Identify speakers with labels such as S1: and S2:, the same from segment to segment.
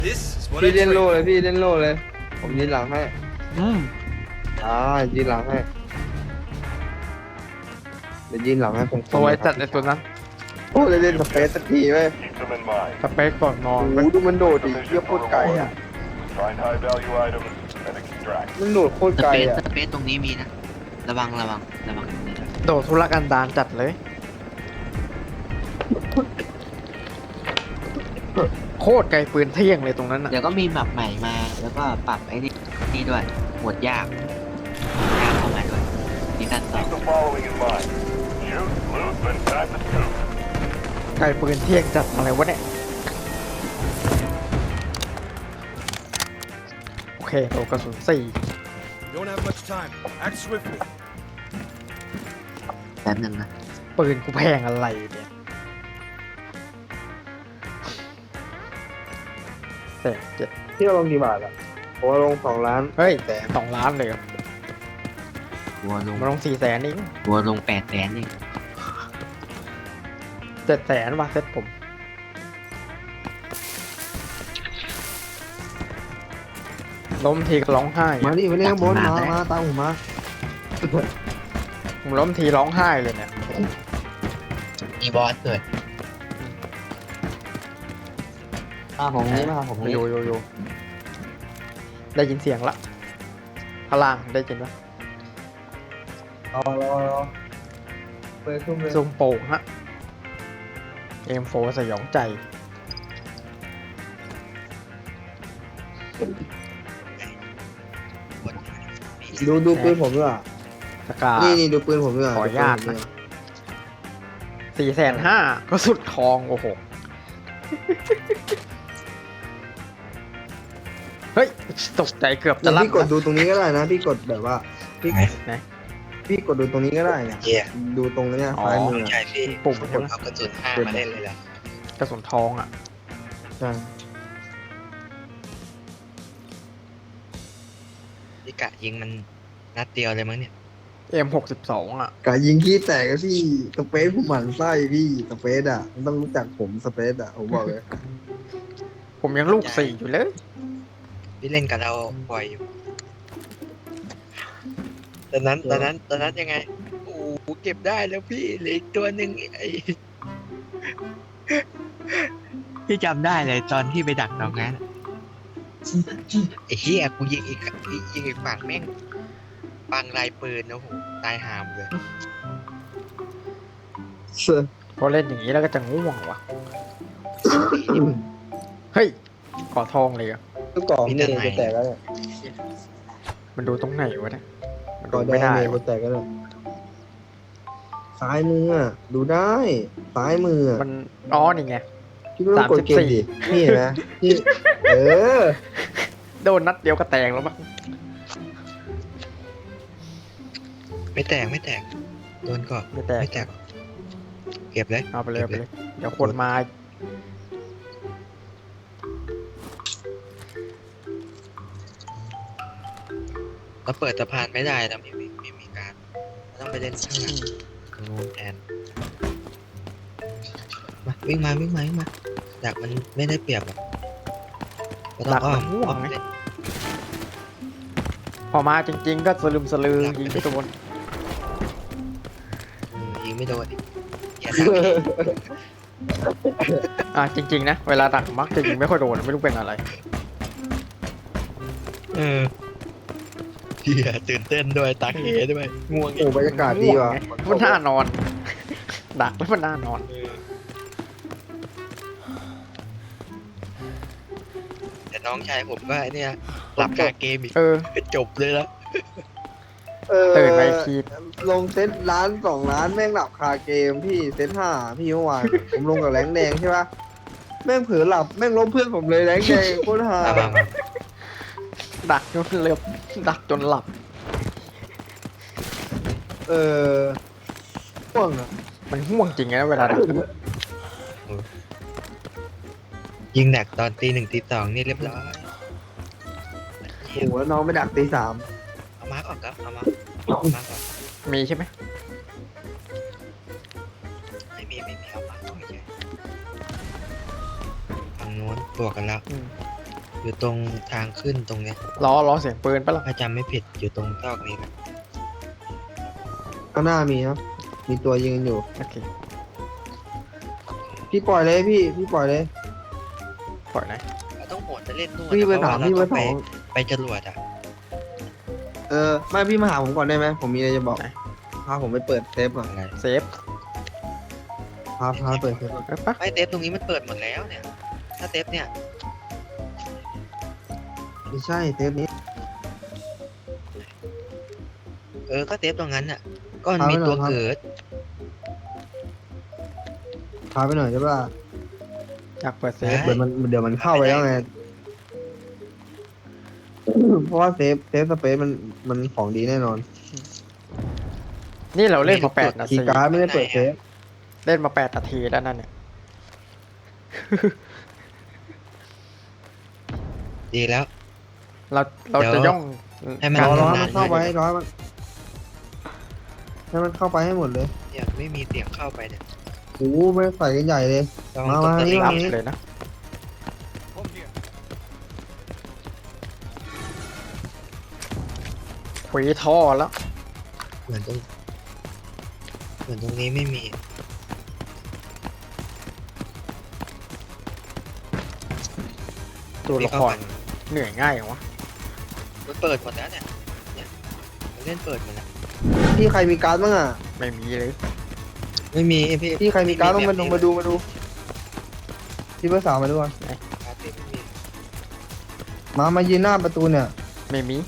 S1: This is what
S2: พี่
S1: I
S2: เล่นโล่
S1: train
S2: เลยพี่เล่นโล่เลย ผมยืนหลังให้
S3: อืม
S2: ยืนหลังให้เดี๋ยวยืนหลังให้ผม
S3: สวยจัดไอตัวนั้น
S2: โอ้เล่นสเปซสักทีเว้ย
S4: Keep them in mind.
S3: สเปคก่อนนอ
S2: โอ้
S3: น
S2: โห
S3: เว้ย
S2: ดูมันโดดดิเยี่ยโคตรไกลอ่ะ
S4: Find high value items and extract.
S2: มันโดดโคตร
S5: ส
S2: ไกล
S5: เปซ
S2: อ่ะ
S5: สเปซตรงนี้มีนะ ระวังตรงนี้ด้วย
S3: โดดธุรกันดารจัดเลย โคตรไกลปืนเที่ยงเลยตรงนั้นอ่ะ
S5: เดี๋ยวก็มีแบบใหม่มา แล้วก็ปรับไอ้นี่ด้วยหมวดยากเข้ามาด้วยซีซั่นสอง
S4: Keep the following in mind. Shoot, loot, then time to scoop.
S3: ไกลปืนเที่ยงจัดอะไรวะเนี่ย โอเคโดดกระสุน4
S1: Don't have much time. Act swiftly.
S5: แป๊บนึงนะ
S3: ปืนกูแพงอะไรเนี่ยแต่เจ็ด
S2: ที่เราลงกี่บาทอ่ะผมว่าลง2 ล้าน
S3: เฮ้ยแต่2 ล้านเลยเหรอ
S5: วัวลง
S3: มาลง400,000เอง
S5: วัวลง800,000นี่
S3: 700,000มาเซ็ตผมล้มทีก็ร้องไห้
S2: มาดิมาเล่นข้างบนมาตามผมมา
S3: ผมล้มทีร้องไห้เลยเนี่ย
S5: มีบอสเกิด
S2: มาผมนี้มาผมนี้
S3: โยได้ยินเสียงละพลังได้ยินปะ
S2: รอเปิดขึ้นเลย
S3: ซูมโป่งฮะเอ็มโฟสยองใจ
S2: ดูปืนผมด้วย
S3: สกา
S2: นี่ดูปืนผมด้วย
S3: ขออนุญาตนะ 450,000ก็สุดทองโอ้โห เฮ้ยตกใจเกือบจะรับ
S2: พี่กดดูตรงนี้ก็ได้นะพี่กดแบบว่าพี่
S3: ไหน
S2: พี่กดดูตรงนี้ก็ได้นะ
S6: เหี้ย
S2: ดูตรงนี้
S3: อ๋อ
S2: ซ้ายมือ
S6: ใช่พี่
S3: ปุ่มใช่ไหม
S6: เอากระสุน5มาเล่นเลยล่ะ
S3: กระสุนทองอ่ะ
S2: ใช่
S6: พี่กะยิงมันนัดเดียวเลยมั้งเนี่ย
S3: M62 อ่ะ
S2: กะยิงขี้แตกก็พี่สเปซผมหมั่นไส้พี่สเปซอ่ะมันต้องรู้จักผมสเปซอ่ะผมบอกเลย
S3: ผมยังลูก4อยู่เลย
S6: พี่เล่นกับเราบ่อยอยู่ตอนนั้นยังไงโอ้โหเก็บได้แล้วพี่เหลืออีกตัวหนึ่งไอ้
S5: พี่จำได้เลยตอนที่ไปดักตรงนั้น
S6: ไอ้เหี้ยกูยิงอีกฝั่งแม่งปังลายปืนโอ้โหตายหามเลย
S3: พอเล่นอย่างนี้แล้วก็จะง่วงว่ะ เฮ้ยขอทองเลยอ่ะ
S2: ทุกกล่องนี่จะแตกแล้วเนี่ย
S3: มันดูตรงไหนวะเนี่ยมัน
S2: ก่
S3: ดู
S2: อน
S3: ไม่
S2: ได้
S3: ได้
S2: เลย
S3: วะ
S2: จะแตกแล้วเนี่ยซ้ายมืออ่ะดูได้ซ้ายมืออะ
S3: มันอ๋อนี่ไง
S2: พี่ไม่ต้องกดเกมดินี่เห็นไหมนี่เออ
S3: โดนนัดเดียวก็แตกแล้วมั้ง
S6: ไม่แตกโดนก่อน
S3: ไม่แตก
S6: ไม่แตกเก็บเลย
S3: เอาไปเลยเอาไปเลย เดี๋ยวคนมา
S6: เราเปิดสะพานไม่ได้เราไม่มีการเราต้องไปเล่นข้างหลังตรงนู้นแทนมาวิ่งมาดักมันไม่ได้เปรียบหรอกก็ต้องอ้อมเล่น
S3: พอมาจริง ๆ ก็สลืมสลือยิงไม่โดน
S6: ยิงไม่โดนอีกอย่าดักพี่
S3: จริง ๆ นะ เวลาดักมักจะยิงไม่ค่อยโดนไม่รู้เป็นอะไร
S6: เฮียตื่นเต้นด้วยตาเขด้วยง่วง
S2: โอ้บรรยากาศดีว่ะ
S3: มันน่านอน ดักแล้วมันน่านอน
S6: แต่น้องชายผมก็เนี่ยหลับคาเกมอีก
S3: เออ
S6: จบเลยละ
S3: ตื่นไปที
S2: ลงเซตล้าน2 ล้านแม่งหลับคาเกมพี่เซต5พี่เมื่อวานผมลงกับแรงแดงใช่ปะแม่งเผลอหลับแม่งล้มเพื่อนผมเลยแรงแดงโคตรฮา
S6: มา
S3: ดักจนเลือบดักจนหลับ
S2: ห่วงอ่ะ
S3: มันห่วงจริงนะเวลาดัก
S6: ยิงแหนกตอนตี 1ตี 2นี่เรียบร้อย
S2: โอ้โหแล้วน้องไปดักตี 3
S6: เอามาก่อนครับเอามาก่อน
S3: มีใช่ไหม
S6: ไม่มีเอามาก่อนเฉยฝั่งนู้นบวกกันแล้ว
S3: อืม
S6: อยู่ตรงทางขึ้นตรงเนี้ย
S3: ล้อเสียงปืนปะล่ะ
S6: ถ้าจำไม่ผิดอยู่ตรงซอกนี้นะ
S2: ข้างหน้ามีครับ มีตัวยืนอยู่
S3: โอเค
S2: พี่ปล่อยเลยพี่ปล่อยเลย
S3: ปล่อยไหน
S6: เราต้องโหดไปเล่นนู่น
S2: พี่ไปถาม
S6: เพระว่
S2: พี่ไป
S6: เราต้
S2: ถา
S6: อง
S2: ม
S6: ไปจรวดอ่ะ
S2: ไม่พี่มาหาผมก่อนได้ไหมผมมีอะไรจะบอก
S3: ไหน
S2: พาผมไปเปิดเซฟก่อน
S6: อะไร
S3: เซฟ
S2: พาเปิดเซฟก่อน
S3: เอ้ยปะ
S6: ไม่เทปตรงนี้มันเปิดหมดแล้วเนี่ย ถ้าเทปเนี่ย
S2: ไม่ใช่เซฟนี้
S6: ก็เทปตรงนั้นอ่ะ ก็มันมีตัวเกิด
S2: พาไปหน่อยใช่ป่ะ
S3: อยากเปิดเซฟ
S6: ได้
S2: เดี๋ยวมันเข้าไปแล้วไง เพราะว่าเซฟสเปซมันของดีแน่นอน
S3: นี่เราเล่นมา8 นา
S2: คี
S3: ที
S2: ย์การ์ดไม่ได้เปิดเซฟ
S3: เล่นมา8 นาทีแล้วนั่นเนี่ย
S6: ดีแล้ว
S3: เรา
S6: เดี๋ยว
S3: จะย่อง
S6: ให้มัน
S3: การ
S2: รอ
S6: ทำ
S2: ให้มันเข้าไปรอให้มันเข้าไปให้หมดเลย
S6: เนี่ยไม่มีเสียงเข้าไปเนี่ย
S2: โอ้โหไม่ใส่กันใหญ่เลย
S6: ลอง
S2: มา
S6: ตก
S2: มา
S6: ตะ
S2: นี่
S6: ลิง
S3: รับ
S6: นี้
S3: เลยนะ
S1: Home here.
S3: ขุยท่อแล้ว
S6: เหมือนตรงนี้ไม่มี
S3: ตัวละครเหนื่อยง่ายอย่างวะ
S6: มันเปิดหมดแล้วเนี่ยมันเล่นเปิดหมดแล้ว
S2: พี่ใครมีการ์ดบ้างอ่ะ
S3: ไม่มีเลย
S6: ไม่มีพี่
S2: พี่ใครมีการ์ดต้องมาดูพี่เบอร์สามมาดูก่อน
S6: การ์ดพี่ไม่มี
S2: มายืนหน้าประตูเนี่ย
S3: ไม่มี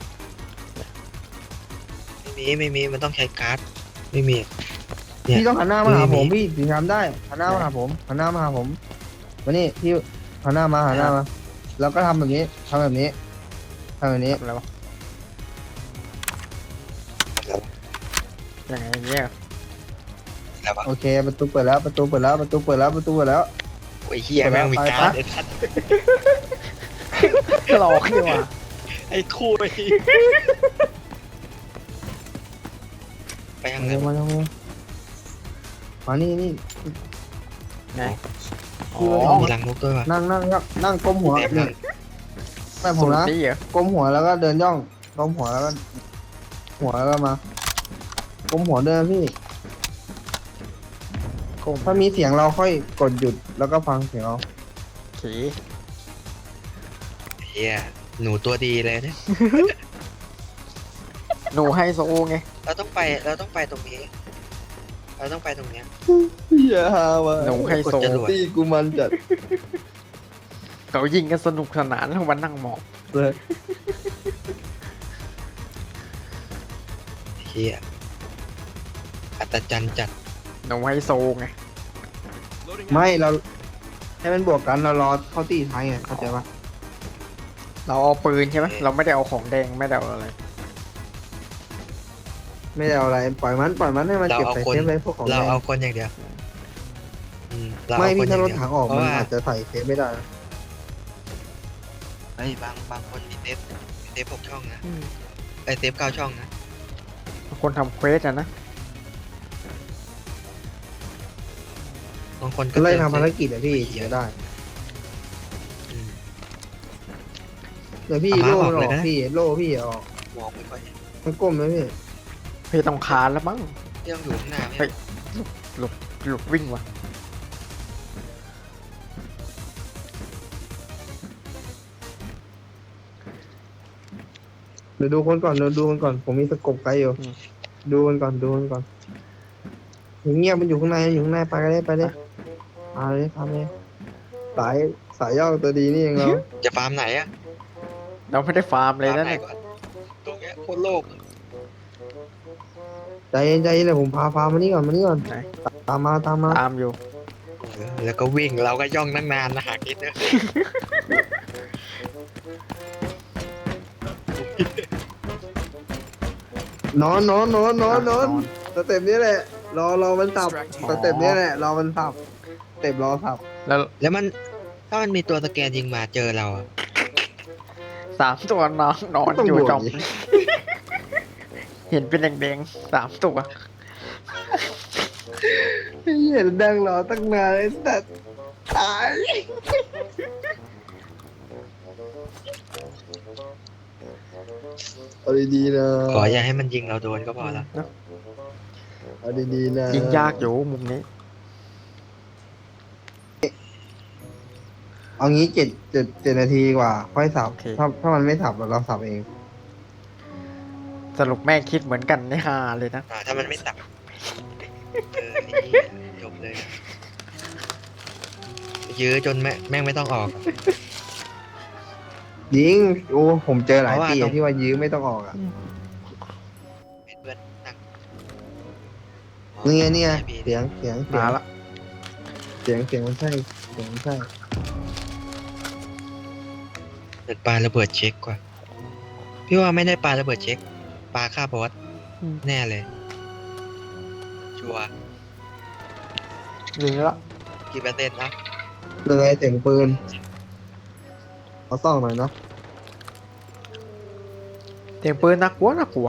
S6: ไม่มีมันต้องใช้การ์ดไม่มี เนี่ย
S2: พี่ต้องหันหน้ามาหาผม
S6: ไม่มี
S2: พี่ถึงทำได้หันหน้ามาหาผมหันหน้ามาหาผมมานี่พี่หันหน้ามาแล้วก็ทำแบบนี้ทำแบบนี้
S3: ทำอะไรวะยังไงเงี้ย
S6: แล้ววะ
S2: โอเคประตูเปิดแล้ว
S6: โอ้ยเฮียแม่งมีการ์ด
S2: ไป
S6: ไอ้สัตว์
S3: หลอกนี่ว่ะ
S6: ไอ้คุยไปยังไง
S2: มานี่
S3: ไงอ๋
S2: คือ
S3: อ
S6: มีรังนกด้วยวะ
S2: นั่งก้มหัว
S6: เต็ม
S2: นี่
S6: เลย
S2: ไม่ผมนะ
S3: นี่เหรอ
S2: ก้มหัวแล้วก็เดินย่องก้มหัวแล้วก็มาก้มหัวเดินพี่
S3: ก้ม
S2: ถ้ามีเสียงเราค่อยกดหยุดแล้วก็ฟังเสียงเรา
S3: ขี
S6: เฮียหนูตัวดีเลยเนี่ย
S3: หนูไฮโซไง
S6: เราต้องไปตรงนี้ เราต้องไปตรงเนี้ย
S2: อย่าหาวะ
S3: หนูไฮโซ
S6: กดจรวด
S2: ตีกูมันจัด
S3: เขายิงกันสนุกสนานแล้วมันนั่งมอง
S2: เลย
S6: เฮียอัศจรรย์จัด
S3: หนูไฮโซไง
S1: Loading
S2: ไม่เราให้มันบวกกันเรารอเข้าตีท้ายไงเข้าใจปะ
S3: เราเอาปืนใช่ไหมเราไม่ได้เอาของแดงไม่ได้เอาอะไร
S2: ไม่ได้เอาอะไรปล่อยมันให้มัน
S6: เรา
S2: เก็บ
S6: เอา
S2: ใส่
S6: คน
S2: เซฟเลยพวกของ
S6: เรา
S2: แดง
S6: เอาคนอย่างเดียวเรา
S2: ไม่
S6: เอาค
S2: พี่
S6: นอ
S2: ถ้า
S6: ย่าง
S2: รถ
S6: เดียว
S2: ถังออก
S6: เพราะ
S2: มัน
S6: ว่า
S2: อาจจะใส่เซฟไม่ได้นะ
S6: เฮ้ยบางคนมีเทป6 ช่องนะไอเทป9 ช่องนะ
S3: คนทำเควสอะนะ
S6: บางคนก็
S2: ไล่
S6: เติม
S2: ทำภาร
S6: เซฟ
S2: กิจอะพี่เสียได้
S6: อืม
S2: เดี๋ยวพี่
S6: เอา
S2: โล่
S6: มา
S2: มันอ
S6: อ
S2: อ
S6: อก
S2: ก
S6: เลยนะ
S2: พี่โล่พี่ออก
S6: มองไม่ค่อยเห็น
S2: มันก้มไหมพี่
S3: พี่ต้องคานแล้วมั้ง
S6: เรื่องอยู่ข้างหน้าไม่
S3: เฮ้ย หลุดวิ่งว่ะ
S2: เดี๋ยวดูคนก่อนผมมีสกบไกลอยู่ดูคนก่อนเงียบมันอยู่ข้างในไปเลยมาเลยสายย่อตัวดีนี่เองเรา
S6: จะฟาร์มไหนอะ
S3: เราไม่ได้ฟาร์มเลย
S6: ฟาร์ม
S3: นะ
S6: ไหน
S3: เนี่ย
S6: ก่อนตรงเนี้ยโคตรโลก
S2: ใจเย็นเลยผมพามานี่ก่อน
S3: ไหน
S2: ตามมา
S3: ตามอยู่
S6: แล้วก็วิ่งเราก็ย่องตั้งนานนะหาคิดนะ
S2: นอนสเต็ปนี้แหละรอมันสับสเต็ปนี้แหละรอมันสับสเต็ปรอสับ
S3: แล้ว
S6: แล้วมันถ้ามันมีตัวสแกนยิงมาเจอเราอะ
S3: 3 ตัวนอนอยู่จอม เห็นเป็นแดงๆ3 ตัว
S2: เห็นดังรอตั้งนานไอ้สัตว์ตายเอาดีๆนะ
S6: ขออย่าให้มันยิงเราโดนก็พอละ
S3: เนอะ
S2: เอาดีๆนะ
S3: ยิงยากอยู่มุมนี้
S2: เอางี้7 นาทีกว่า ค่อยสับ
S3: โอเค
S2: ถ้ามันไม่สับเราสับเอง
S3: สรุปแม่งคิดเหมือนกันนี่ฮาเลยนะ
S6: ถ้ามันไม่ตับนี่จบเลยยื้อจนแม่งไม่ต้องออก
S2: ยิงโอ้ผมเจอหลาย
S6: เพราะว่า
S2: ที
S6: ต้อง
S2: ที่ว่ายื้อไม่ต้องออกอ่ะ
S6: เป็นเพื่อนนั่ง
S2: เนี่ยเสียง
S3: มาละ
S2: เสียงมันใช่เสียงมันใช่
S6: เปิดปาระเบิดเช็คกว่า พี่ว่าไม่ได้ปาระเบิดเช็คปาฆ่าบอสแน่เลย ชัวร์
S3: ยิงละ
S6: กี่เปอร์เซ็นต์นะ
S2: เลยเสียงปืนเขาส่องหน่อยเนาะ
S3: เสียงปืนน่ากลัวน่ากลัว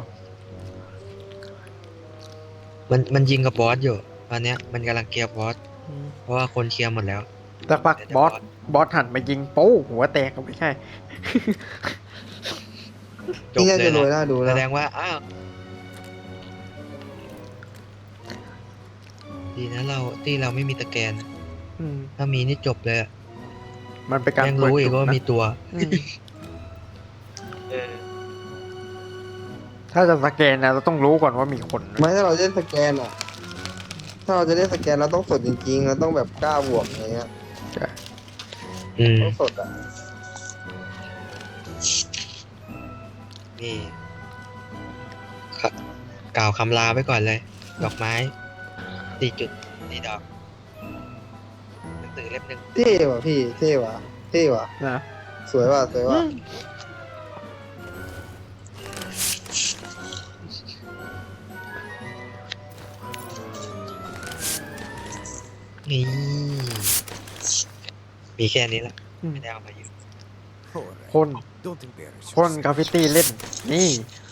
S6: มันยิงกับบอสอยู่ตอนเนี้ยมันกำลังเคลียร์บอสเพราะว่าคนเคลียร์หมดแล้ว
S3: สักพักบอสหันมายิงโป้หัวแตกก็ไม่ใช่
S6: จบ
S2: นี่น่า
S6: เล
S2: จะ
S6: ย
S2: รวย
S6: นะ
S2: น่าดู
S6: แส
S2: นะ
S6: ดงว่าอ้าวดีนะเราไม่มีตะแกรง
S3: อืม
S6: ถ้ามีนี่จบเลยอะ
S3: มันเป็นการ
S6: ยัง
S3: เปิด
S6: รู้อี
S3: จุ
S6: ก
S3: ด
S6: ว่า
S3: นะ
S6: มีตัว
S3: อืมถ้าจะสแกนนะเราต้องรู้ก่อนว่ามีคนนะ
S2: ไม่ถ้าเราเล่นสแกนอ่ะ ถ้าเราจะเล่นสแกนเราต้องสดจริงๆเราต้องแบบกล้าบวกอะไรเงี้ย
S6: อืม
S2: ต้องสดอ่ะ
S6: นี่ครับกล่าวคำลาไว้ก่อนเลย ดอกไม้4 ดอกหนังสือเล่มหนึ่ง
S2: เท่ว่ะพี่เท่ว่ะ
S3: นะ
S2: สวยว่ะ
S6: นี่มีแค่นี้ละไม่ได้เอามาอยู่
S1: All right.
S3: คน
S1: Don't embarrass
S3: คนกราฟฟิตี้เล่น นี่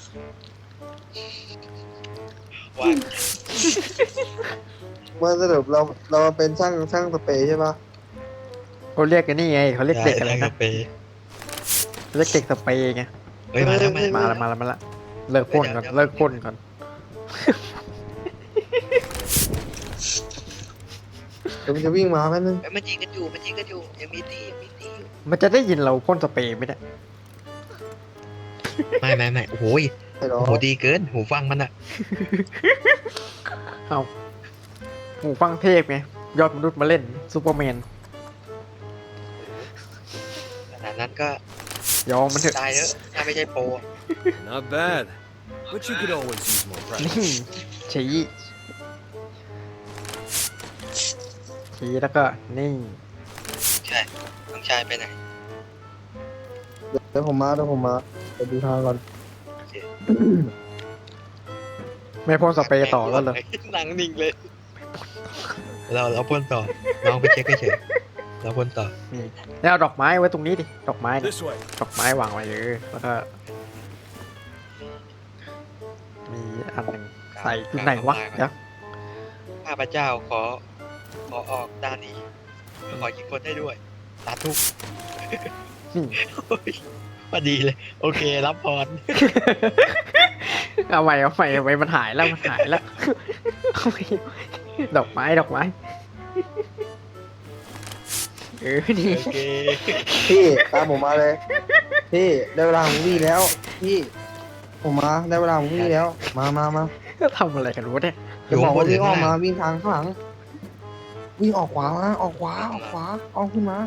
S6: ว่า
S2: เมื่อสรุปเรามาเป็นช่างสเปรย์ใช่ปะ
S3: เขาเรียกกันนี่ไงเขาเรียกเด็กอะไร
S6: ด้
S3: นะ
S6: ไป
S3: เรียกเด็กสเปรย์ไง
S6: เฮ้ยมาแล้ว
S3: มาละเลิกพ่นก่อนเลิกพ่นก่อน
S2: เดี๋ยวมันจะวิ่งมาแป๊บนึง
S6: เฮ้ยมันยิงกันอยู่ยังมีตีอยู่
S3: มันจะได้ยินเราพ่นสเปรย์ไหมเนี่ย
S6: ไม่โอ้โหย
S2: ให้รอ
S6: โอ้โหดีเกินหูฟังมันอะ
S3: เอาหูฟังเทพไงยอดมนุษย์มาเล่นซูเปอร์แมน
S6: ขนาดนั้นก็
S3: ยอมมันเถอะ
S6: ตายแล้วถ้าไม่ใช่โปร
S1: Not bad. But you could always use more
S3: นี่
S1: practice.
S3: ชี้แล้วก็นี่
S6: ใช่น้องชายไปไหน
S2: เดี๋ยวผมมาไปดูทางก่อน
S3: ไม่พ่นสเปรย์ต่อแล้วเหรอ
S6: หนังนิ่งเลย เราพ่นต่อน้องไปเช็คเฉยๆเราพ่นต่อ
S3: นี่แล้วเอาดอกไม้ไว้ตรงนี้ดิดอกไม้เนี่ย
S1: This way.
S3: ดอกไม้วางไว้แล้วก็มีอันหนึ่งใส่ที่ไหนวะเดี๋ยว
S6: ข้าพเจ้าขอออกด้านนี้ขอยิงคนได้ด้วยสาธุ
S3: นี่
S6: โอ้ยพอดีเลย โอเครับพร
S3: เอาใหม่มันหายแล้วเอาใหม่ดอกไม้นี่
S6: โอเค
S2: พี่ตามผมมาเลยพี่ได้เวลาของพี่แล้ว พี่ผมมาได้เวลาของพี่แล้วมา
S3: ทำอะไรกันวะเนี่ย
S2: จะบอกว่าวิ่งออกมาวิ่งทางข้างหลังวิ่งออกขวาออกขึ้นมา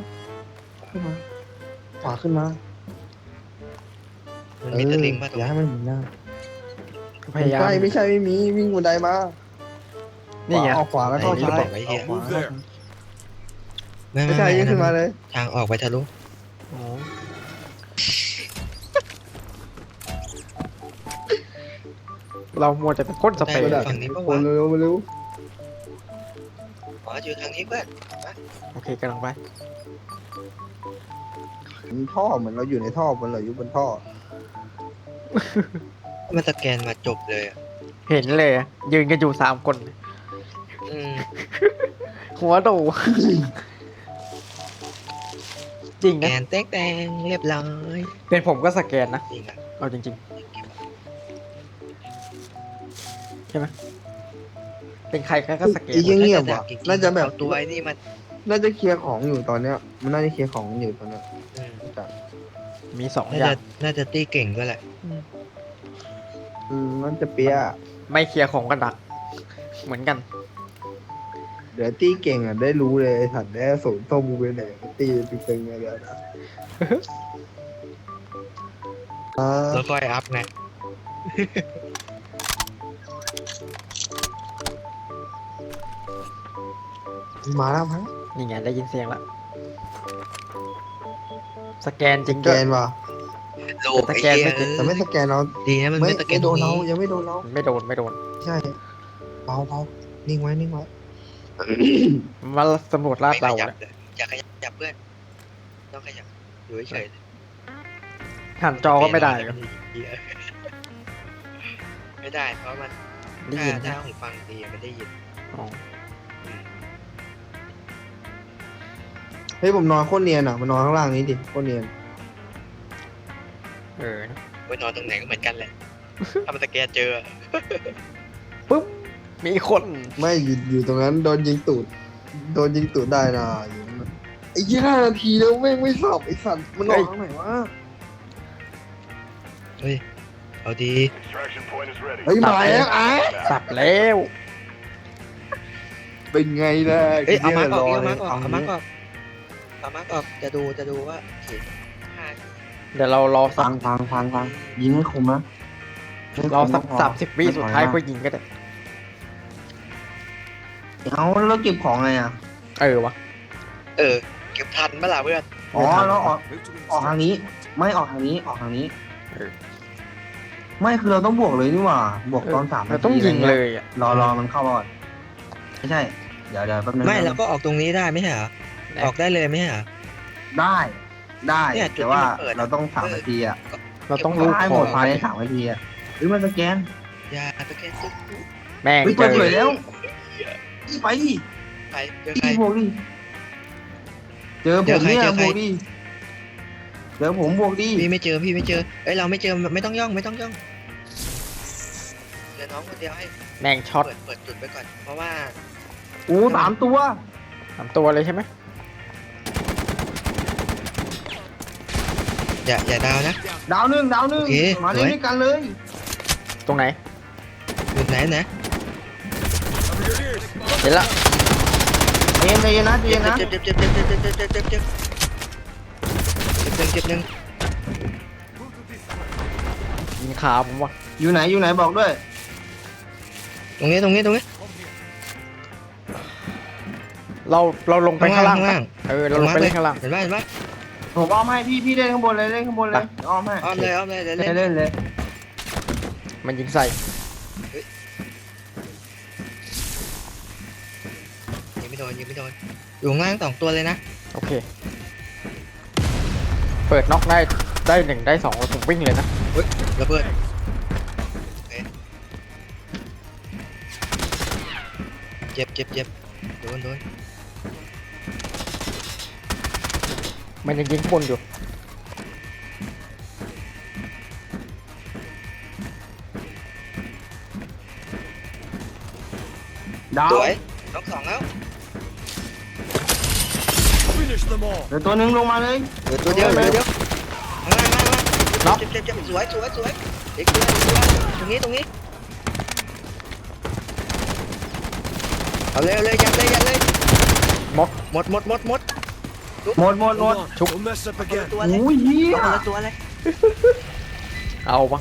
S2: ขวาขึ้นมา
S6: มันมีตะลิงมาตรง
S2: อย่า
S6: นี้
S2: ให้มันเห็นหน้า
S3: พยายาม
S2: ใช่ไม่ใช่ไม่มีวิ่งบันไดมา
S3: นี่ไง
S2: ออกขวาแล้วเข้าซ้าย
S6: ไว้เหี้ย
S2: ออกขวา
S6: ไม่
S2: ไม่ใช่วิ่งขึ้นมาเลย
S6: ทางออกไปทะลุ
S3: อ๋อเรามัวแต่เป็นพ่นสเปรย์
S6: ฝั่งนี้ปะ
S2: คน
S6: วะ
S2: เร็วมาเร็ว
S6: อ๋ออยู่ทางนี้เพื่อน
S3: โอเคกำลังไป
S2: มันท่อเหมือนเราอยู่ในท่อเหมือนเราอยู่บนท่อ
S6: มันสแกนมาจบเลยอะ
S3: เห็นเลยอะยืนกันอยู่3 คน
S6: อืม
S3: หัวโด จริง
S6: แก
S3: นะ
S6: นแตงเรียบร้อย
S3: เป็นผมก็สแกนนะ
S6: จริงอะ
S3: เอาจริงๆใช่ไหมเป็นใครก็สแกน
S2: อีกเงียบว่ะ
S6: จริงๆ
S2: น่าจะแบบ
S6: เอาตัวไอ้นี่มัน
S2: น่าจะเคลียร์ของอยู่ตอนเนี้ย มันน่าจะเคลียร์ของอยู่ตอนเนี้ย
S6: อืม
S3: มีสอง
S6: น่า
S3: อย่า
S6: จะ
S3: ง
S6: น่าจะตีเก่งด้วยแหละ
S2: น่าจะเปียะ
S3: ไม่เคลียร์ของก็ดัก เหมือนกัน
S2: เดี๋ยวตีเก่งอ่ะได้รู้เลยไอ้สัตว์ได้สูนย์ต้มกูไปไหนตีเก่งอะไรนะอ่า
S6: แล้วค่อยอัพไง
S2: มาแล้วมั้ง
S3: นี่ไงได้ยินเสียงละสแกนจ
S2: ส
S3: ริง
S2: แก
S3: ด้วย
S2: นว่ะ
S6: โล
S3: แต่สแกนไม่ติด
S2: แต่ไม่สแกนเรา
S6: ดีนะมัน
S2: ไม่
S6: ไม่สแก
S2: ไม่
S6: น
S2: โดนเรา
S6: ตรง
S2: ยังไม่โดนเรา
S3: ไม่โดนไม่โดน
S2: ใช่เบานิ่งไว้นิ่งไว้
S3: มาสำรวจลาด
S6: ไม่ข
S3: เรา
S6: ยับ
S3: เนี่ย
S6: เลยอย่าขยับเพื่อน ต้องขยับอยู่เฉย
S3: หันจอก็ไม่ได้
S6: เวลามันไม่ได้ เพราะมัน
S3: ได้ยิน
S6: ถ้า
S3: นะ
S6: หูฟังดีมันได้ยิน
S3: อ๋อ
S2: เฮ้ยผมนอนโคตรเนียนอ่ะมานอนข้างล่างนี้ดิโคตรเนียน
S3: เออนะ
S6: ไปนอนตรงไหนก็เหมือนกันแหละ ถ้ามันสแกนเจอ
S3: ปุ๊บมีคน
S2: ไม่อยู่ตรงนั้นโดนยิงตูดได้นะอยู่นั่นไอ้ยี่5 นาทีแล้วแม่งไม่สับไอ้สัตว์มันนอนข้างไหนวะ
S6: เฮ้ย เอาดี
S4: Extraction point is ready.
S2: เฮ้ยมาแล้วไอ้
S3: สับแล้ว
S2: เป็นไงล่ะ
S6: เอ้ย เอามาก่อน
S2: ร
S6: เอา
S2: ล
S6: มาย ก่อนเอามา
S2: นี้
S6: ก่อนเอามาก่อนจะดูว่าขีดห้า
S3: เดี๋ยวเรารอสั
S2: ฟั
S3: ก
S2: งยิงให้คมนะ
S3: เราสัก30 วิสุดท้ายก็ยิงก็ได้
S2: เอาแล้วเก็บของไงอ่ะ
S3: เออวะ
S6: เออ เก็บทันเมื่อไหร่เพื่อน
S2: อ๋อแล้วออก
S1: Move to
S2: ออกทาง
S1: inside.
S2: นี้ ไม่ออกทางนี้ออกทางนี้
S3: เออ
S2: ไม่คือเราต้องบวกเลยนี่หว่าบวกตอน3
S3: เรา
S2: นาที
S3: ต้องยิง
S2: ะไร
S3: เล
S2: งี้
S3: ยอ่ะ
S2: รอมันเข้าก่อนไม่ใช่เดี๋ยวแป๊บนึง
S6: ไม่เราก็ออกตรงนี้ได้ไม่ใช่เหรอ ออกได้เลยไม่ใช่เหรอ
S2: ได้ได้
S6: เนี่ยจุด
S2: แต่ว่า
S6: ที่มันเปิด
S2: เราต้อง3 นาทีอ่ะ
S3: เราต้องรู้
S2: ให้
S3: ข
S2: หม
S3: อ
S2: ด
S3: ง
S2: ภายใน3 นาทีอ่ะหรือมันสแกน
S6: อย่าสแกนซุก
S3: แม่ง
S2: เฮ้ย
S3: เจ
S2: เปิด
S3: อ
S2: เผยแล้วอีไปดิ
S6: ไปเจอใคร
S2: อีบวกดิเจอผมเนี่ย
S6: เจอใคร
S2: บวกดิเจอผมบวกดิ
S6: พี่ไม่เจอเอ้ยเราไม่เจอไม่ต้องย่องเดี๋ยวน้องคนเดียวให้
S3: แม่งช็อต
S6: เปิดจุดไปก่อน เพราะว่า
S2: โอ้3 ตัว
S3: 3 ตัวเลยใช่ไหม
S6: อย่าดาวนะ
S2: ดาวหนึ่ง
S6: โอเค
S2: มาเล่น
S6: สวย
S2: ด้วยกันเลย
S3: ตรงไหน
S6: จุดไหนนะ
S1: Cover your ears.
S3: เห็นละ
S2: เอ็นเลยนะเอ็นนะ
S6: เจ็บหนึ่ง
S3: ยิงขาผมว่ะ
S2: อยู่ไหนบอกด้วย
S6: ตรงนี้
S3: เราลงไปข้างล่าง
S6: ข้างล่าง
S3: เออเราลงไปเล่นข้างล่าง
S6: เห็นไหม
S2: ผมอ้อมให้พี่เล่นข้างบนเลยอ้อมให้
S6: อ้อมเลยเล่น
S2: เล่นเลย
S3: มันยิงใส่
S6: ยิงไม่โดนอยู่ข้างล่าง2 ตัวเลยนะ
S3: โอเค เปิดน็อกได้1ได้2แล้วผมวิ่งเลยนะ
S6: ระเบิดเจ็บโดน
S3: มันยังยิงข้างบนอยู่
S2: ดาว
S6: สวยน้อง2แล้ว
S1: Finish them all.
S2: เดี๋ยวตัวหนึ่งลงมาเลย
S6: เหลือตัวเดียวข้างล่างเจ็บสวยอีกตัวตรงนี้เอาเลยยัดเลย
S3: หมด
S6: หมด
S2: หมด
S1: Hold on. Don't mess up again.
S6: ตัวเลย
S2: โอ้ยเฮีย
S6: เอาละตัวเลย
S3: เอาปะ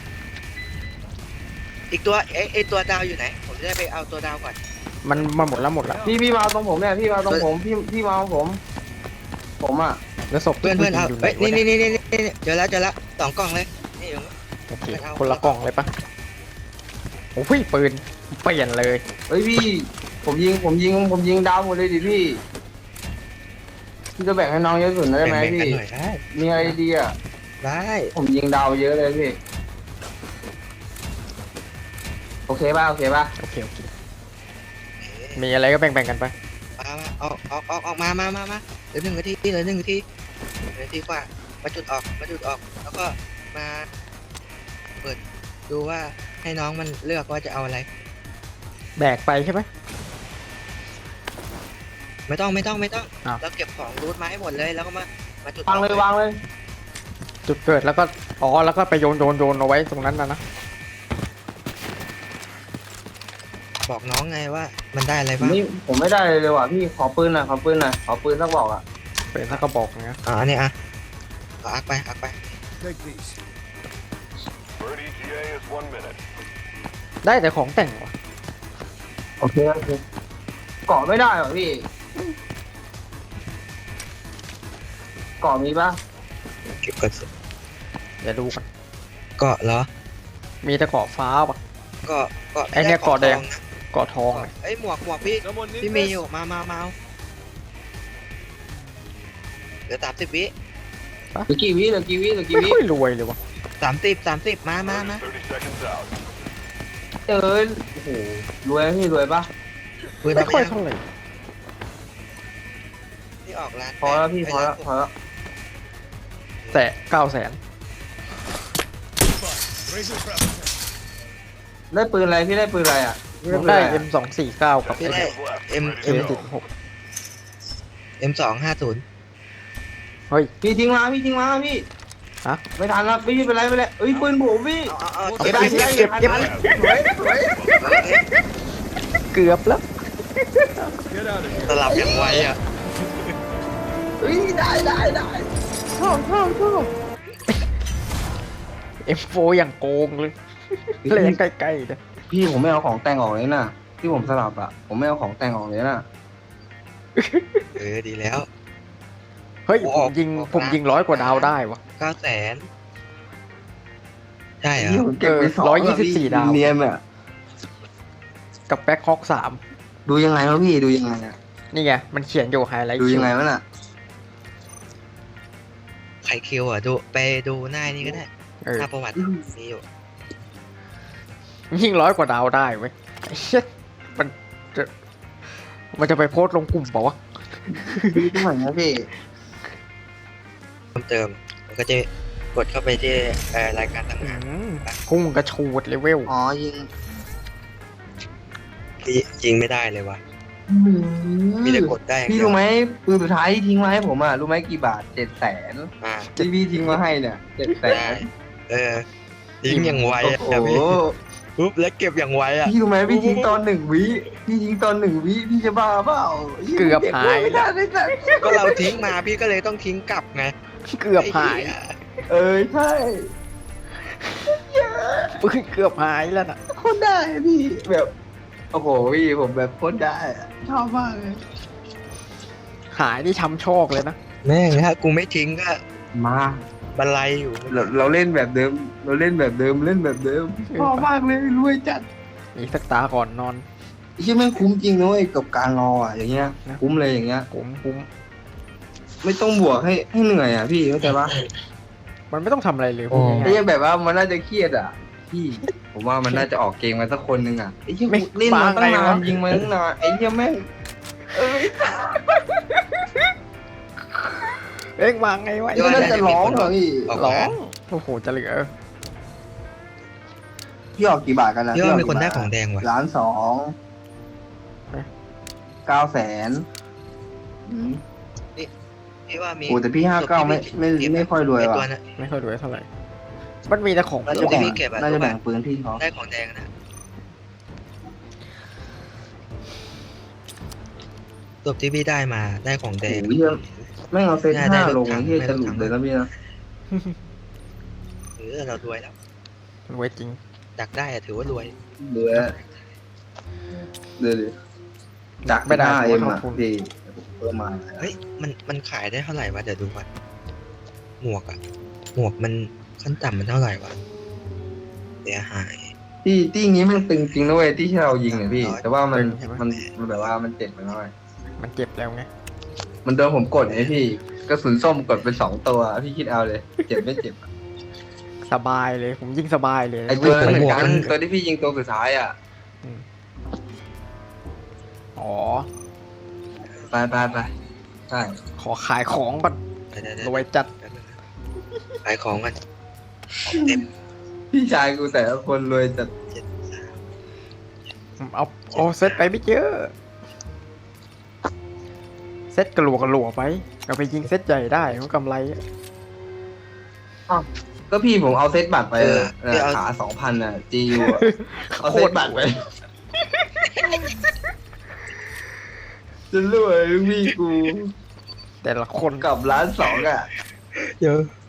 S6: อีกตัวไอตัวดาวอยู่ไหนผมจะได้ไปเอาตัวดาวก่อน
S3: มันหมดแล้ว
S2: พี่มาเอาตรงผมเนี่ยพี่มาเอาตรงผมพี่มาเอาผมอ่ะ
S3: แล้วศพ
S6: เพื่อนเอา
S3: ยู่ไห
S6: เอ้ย
S3: วะ
S6: นี่
S3: เย
S6: เจอแล้ว2 กล่องเลยนี่อยู่
S3: โอเคคนละกล่องเลยปะโอ้ยปืนเปลี่ยนเลย
S2: เฮ้ยพี่ผมยิงดาวหมดเลยดิพี่จะแบ่งให้น้องเยอะสุดได้ไหม
S6: แบ่ง
S2: พี่
S6: กันหน่อยได้
S2: มีอะไรดีอ่ะ
S6: ได้
S2: ผมยิงดาวเยอะเลยพี่โอเคป่ะ
S3: โอเคมีอะไรก็แบ่งกันไป
S6: มาออกมาเหลือ1 นาทีกว่ามาจุดออกแล้วก็มาปิดดูว่าให้น้องมันเลือกว่าจะเอาอะไร
S3: แบกไปใช่ไหม
S6: ไม่ต้อง
S3: อ้าว
S6: เราเก็บของรูทมาให้หมดเลยแล้วก็มาจุด
S2: วางเลยวางเลย
S3: จุดเกิดแล้วก็อ๋อแล้วก็ไปโยนเอาไว้ตรงนั้นนะ
S6: บอกน้องไงว่ามันได้อะไรบ้าง
S2: นี่ผมไม่ได้เลยว่ะพี่ขอปืนหน่อยขอปืนสักบอกอ่ะ
S3: เป็นถ้ากระบอกเงี้ย
S6: อันนี้เอาอักไป
S1: Take these.
S4: Bird ETA is 1 minute.
S3: ได้แต่ของแต่งวะ
S2: โอเคเกาะไม่ได้เหรอพี่เกาะมีปะ
S6: เก็บกระสุน
S3: เดี๋ยวดูกัน
S6: เกาะเหรอ
S3: มีแต่เกาะฟ้าปะ
S6: เกาะ
S3: ไอ้เนี่ยเกาะแดง
S6: ทอนะ
S3: เกาะทองเลย
S6: เอ้ยหมวกพี่
S1: Someone need
S6: พี่มี
S1: this?
S6: อยู่มาเอาเหลือ30 วิ
S2: เหลือกี่วิ
S3: ไม่ค่อยรวยเลยวะ
S6: 30มา
S4: 30 seconds out.
S2: โอ้โหรวยพี่รวยปะ
S6: ปืน
S3: ไม่
S6: เอา
S3: ค่อย
S6: ไป
S3: เท่าไหร่
S6: ที่ออกร้าน
S2: พอแล้วพี่พอแล้ว
S3: แต่900,000
S1: Razor crap.
S2: ได้ปืนอะไรพี่ได้ปืนอะไรอ่ะ
S3: ผมได้ M249 กับ
S6: พี่ได้
S4: Left.
S6: M
S4: Ready to go.
S3: M16
S6: M250
S3: เฮ้ย
S2: พี่ทิ้งมาพี่
S3: ฮะ
S2: ไม่ทันแล้วพี่เป็นไรเอ้ยปืนผมพี่
S6: เอา
S3: เอา
S6: เก็บ
S3: ไป
S6: ได้
S3: เก็บ
S2: สวย
S3: เกือบแล้ว
S1: Get out of here.
S6: สลับอย่างไวอ่ะ
S2: เฮ้ยได้ชอบ
S3: M4 อย่างโกงเลยเล่นใกล้ๆเลย
S2: พี่ผมไม่เอาของแต่งออกเลยนะที่ผมสลับอ่ะผมไม่เอาของแต่งออกเลยนะ
S6: ดีแล้ว
S3: เฮ้ย
S6: โอ้
S3: ผมยิง
S6: ออก
S3: ผมยิง100 กว่าดาวได้วะ
S6: 900,000ใช่เหรอ
S2: ที่ผมเก็บไปสอง
S3: 124ดาว
S2: เนียนอ่ะ
S3: กับแบ็คฮอก3
S2: ดูยังไงวะพี่ดูยังไงอ่ะ
S3: นี่ไง มันเขียนอยู่ไฮไลท์
S2: ดูยังไงวะน่ะ
S6: ไข่คิวอ่ะไปดูหน้านี่ก็ได้
S3: เออ
S6: หน้าประวัติมีอยู่
S3: ยิง100 กว่าดาวได้เว้ยไอ้เชี่ยมันจะไปโพสต์ลงกลุ่มเปล่าวะ
S2: ดูตรงไหนนะพี่
S6: เพิ่มเติมมันก็จะกดเข้าไปที่รายการต่าง
S3: พุ่งกระชูดเลเวล
S2: อ๋อยิง
S6: ๆที่ยิงไม่ได้เลยวะมีแต่กดได้อย่าง
S2: พี่
S6: เดียว
S2: รู้ไหมปืนสุดท้ายที่ทิ้งมาให้ผมอ่ะรู้ไหมกี่บาท700,000
S6: อ่า
S2: ที่พี่ทิ้งมาให้เนี่ย
S6: ได้
S2: 700,000
S6: ยิงอย่างไว
S2: โอ้
S6: อ่ะ
S2: โห
S6: พี่ปุ๊บแล้วเก็บอย่างไวอ่ะ
S2: พี่รู้ไหมพี่ทิ้งตอน1 วิพี่จะบ้าเปล่า
S3: เกือบหาย
S2: ไม่ได้เลยสัตว์
S6: ก็เราทิ้งมาพี่ก็เลยต้องทิ้งกลับไง
S3: เกือบหาย
S6: ไอ้เหี้
S2: ใช่
S3: ปืนเกือบหายแล้วน่ะ
S2: โคตรได้พี่แบบโอ้โหพี่ผมแบบโคตรได้อะชอบมากเลย
S3: หายนี่ช้ำโชคเลยนะ
S6: แม่งถ้ากูไม่ทิ้งก็
S2: มา
S6: บันไลอยู่
S2: เราเล่นแบบเดิมเล่นแบบเดิมชอบมากเลยรวยจัด
S3: อีกสักตาก่อนนอน
S2: ไอ้เชี่ยแม่งคุ้มจริงนะเว้ยกับการรออ่ะอย่างเงี้ยคุ้มเลยอย่างเงี้ย
S3: คุ้ม
S2: ไม่ต้องบวกให้เหนื่อยอ่ะพี่เข้าใจปะ
S3: มันไม่ต้องทำอะไรเลยพูด
S2: ไอ้
S3: ง่าย
S2: เหี้ยแบบว่ามันน่าจะเครียดอ่ะพี่ผมว่ามันน่าจะออกเกมมาสักคนนึงอ่ะไอ้เหี้ยเล่นมาตั้งนานยิงมาตั้งนานไอ้เหี้ยแม่งเอ้ย
S3: เอ็งวางไงวะ
S2: ไอ้เหี้ยน่าจะร้องเหรอพี่
S6: ออก
S3: ร้อ
S6: ร้าง
S3: โอ้โหจะเหลือ
S2: พี่ออกกี่บาทกันนะ
S6: พี่ว่ามีคนได้ของแดงว่ะ
S2: 1,200,000 900,000
S6: พี่ว่ามี
S2: โอ้แต่พี่59ไม่ค่อยรวย
S6: ไอ้
S2: ว่ะ
S6: ตัวนั้น
S3: ไม่ค่อยรวยเท่าไหร่ มันมีแต่ของ
S6: แล้ว
S3: เป
S6: จุ
S3: รี้
S6: ด
S3: ยว
S6: ที่พี่เก็บอะ
S2: น่าจะแบ่งปืนพี่เขา
S6: ได้ของแดงนะตัวที่พี่ได้มาได้ของแดง
S2: โอ้ยไม่เอาเซต
S6: ได้
S2: 5
S6: ร
S2: ล
S6: ถ
S2: ง
S6: ถัง
S2: ที่
S6: ได้
S2: จะ
S6: รถ
S2: หลุ
S6: ถั
S2: ด
S6: ง
S2: เลยนะพี่นะ
S6: เรารวยแล้ว
S3: รวยจริง
S6: ดักได้อะถือว่ารวย
S2: เหลือดัก
S3: ไม่ได้
S2: 5M
S3: ผมว่า
S2: อ่ะ
S3: ทำทุน
S2: พี่เพิ่มมา
S6: เฮ้ยมันขายได้เท่าไหร่วะเดี๋ยวดูก่อนหมวกอะหมวกมันขั้นต่ำมันเท่าไหร่วะเสียหาย
S2: ที่นี้มันตึงจริงนะเว้ยที่เรายิงเนี่ยพี่
S6: ร้อย
S2: แต่ว่ามัน
S3: ตึงใช่ไหม
S2: มันแบบว่ามันเจ็บไปหน่อย
S3: มันเจ็บแล้วไง
S2: มันโดนผมกดไงพี่กระสุนส้มกดไป2 ตัวพี่คิดเอาเลยเจ็บไม่เจ็บอะ
S3: สบายเลย ผมยิงสบายเลย
S2: ไอตัวนั้นเหมือนกันตัวที่พี่ยิงตัวสุดท้ายอ่ะ
S3: อ๋อ
S2: ไปใช่
S3: ขอขายของก่อน
S6: เดี๋ยว
S3: รวยจัด
S6: ขายของกันของเต็ม
S2: พี่ชายกูแต่ละคนรวยจัด
S3: เอาเซตไปไม่เยอะเซตกระหลัวไปก็ไปยิงเซตใหญ่ได้มันกำไรอะ
S2: ก็พี่ผมเอาเซตบัตรไปขา2,000อ่ะ GU อะเอาเซตบัตรไปจะรวยพี่กู
S3: แต่ละคน
S2: กับ1.2 ล้านอ่ะ
S6: เดี๋ยว